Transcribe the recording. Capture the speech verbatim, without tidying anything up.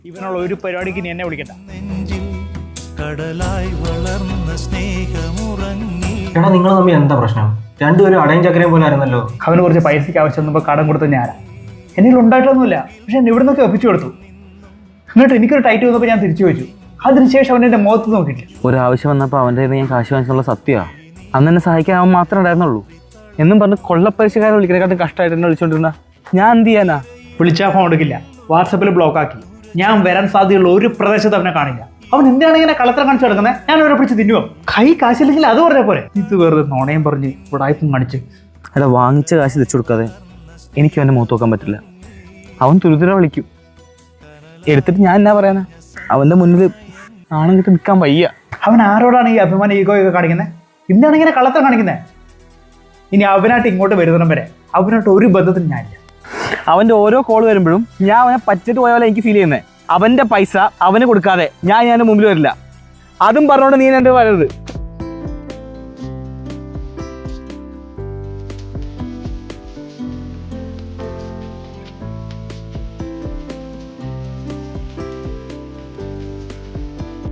ഇവനുള്ള ഒരു പരിപാടിക്ക് നീ എന്നെ വിളിക്കണ്ട. കടലായി വളർന്ന സ്നേഹമുറങ്ങി. എടാ നിങ്ങൾ തമ്മിൽ എന്താ പ്രശ്നം? രണ്ടുപേരും അടയും ചക്കരയും പോലെ ആയിരുന്നല്ലോ. അവന് കുറച്ച് പൈസയ്ക്ക് ആവശ്യം വന്നപ്പോൾ കടം കൊടുത്ത ഞാനാ. എന്നിൽ ഉണ്ടായിട്ടൊന്നുമില്ല, പക്ഷെ എന്നെ ഇവിടെ നിന്നൊക്കെ ഒപ്പിച്ചു കൊടുത്തു. എന്നിട്ട് എനിക്കൊരു ടൈറ്റ് വന്നപ്പോൾ ഞാൻ തിരിച്ചു വെച്ചു. അതിനുശേഷം അവൻ എൻ്റെ മുഖത്ത് നോക്കിയിട്ടില്ല. ഒരാവശ്യം വന്നപ്പോൾ അവൻ്റെ ഞാൻ കാശ് വാങ്ങിച്ചുള്ള സത്യമാണ്. അന്ന് എന്നെ സഹായിക്കാൻ അവൻ മാത്രമേ ഉണ്ടായിരുന്നുള്ളൂ. എന്നും പറഞ്ഞ് കൊള്ളപ്പരിശക്കാരെ വിളിക്കുന്നതിനെക്കാട്ടും കഷ്ടമായിട്ട് എന്നെ വിളിച്ചുകൊണ്ടിരുന്ന ഞാൻ എന്ത് ചെയ്യാനാ? വിളിച്ചാൽ ഫോൺ എടുക്കില്ല, വാട്സപ്പിൽ ബ്ലോക്ക് ആക്കി. ഞാൻ വരാൻ സാധ്യതയുള്ള ഒരു പ്രദേശത്ത് അവനെ കാണില്ല. അവൻ എന്തിനാണ് ഇങ്ങനെ കളത്തരം കാണിച്ചു കിടക്കുന്നത്? ഞാൻ അവരെ പിടിച്ച് തിന്നുവോ? കൈ കാശില്ലെങ്കിൽ അത് പറഞ്ഞ പോലെ. ഇത് വെറുതെ നുണയും പറഞ്ഞ് ഉടായ്പും കാണിച്ച്. അല്ല, വാങ്ങിച്ച കാശ് തിരിച്ചു കൊടുക്കാതെ എനിക്ക് അവൻ്റെ മുഖത്ത് നോക്കാൻ പറ്റില്ല. അവൻ തുരുതുര വിളിക്കും. എടുത്തിട്ട് ഞാൻ എന്നാ പറയാനാ? അവൻ്റെ മുന്നിൽ നാണം കിട്ടി നിൽക്കാൻ വയ്യ. അവൻ ആരോടാണ് ഈ അഭിമാന ഈഗോയൊക്കെ കാണിക്കുന്നത്? എന്താണ് ഇങ്ങനെ കള്ളത്തരം കാണിക്കുന്നത്? ഇനി അവനായിട്ട് ഇങ്ങോട്ട് വരുന്നിടം വരെ അവനായിട്ട് ഒരു ബന്ധത്തിന് ഞാനില്ല. അവൻ്റെ ഓരോ കോൾ വരുമ്പോഴും ഞാൻ അവനെ പറ്റിട്ട് പോയ പോലെ എനിക്ക് ഫീൽ ചെയ്യുന്നത്. അവൻ്റെ പൈസ അവന് കൊടുക്കാതെ ഞാൻ ഞാൻ മുമ്പിൽ വരില്ല. അതും പറഞ്ഞുകൊണ്ട് നീ എൻ്റെ വരരുത്.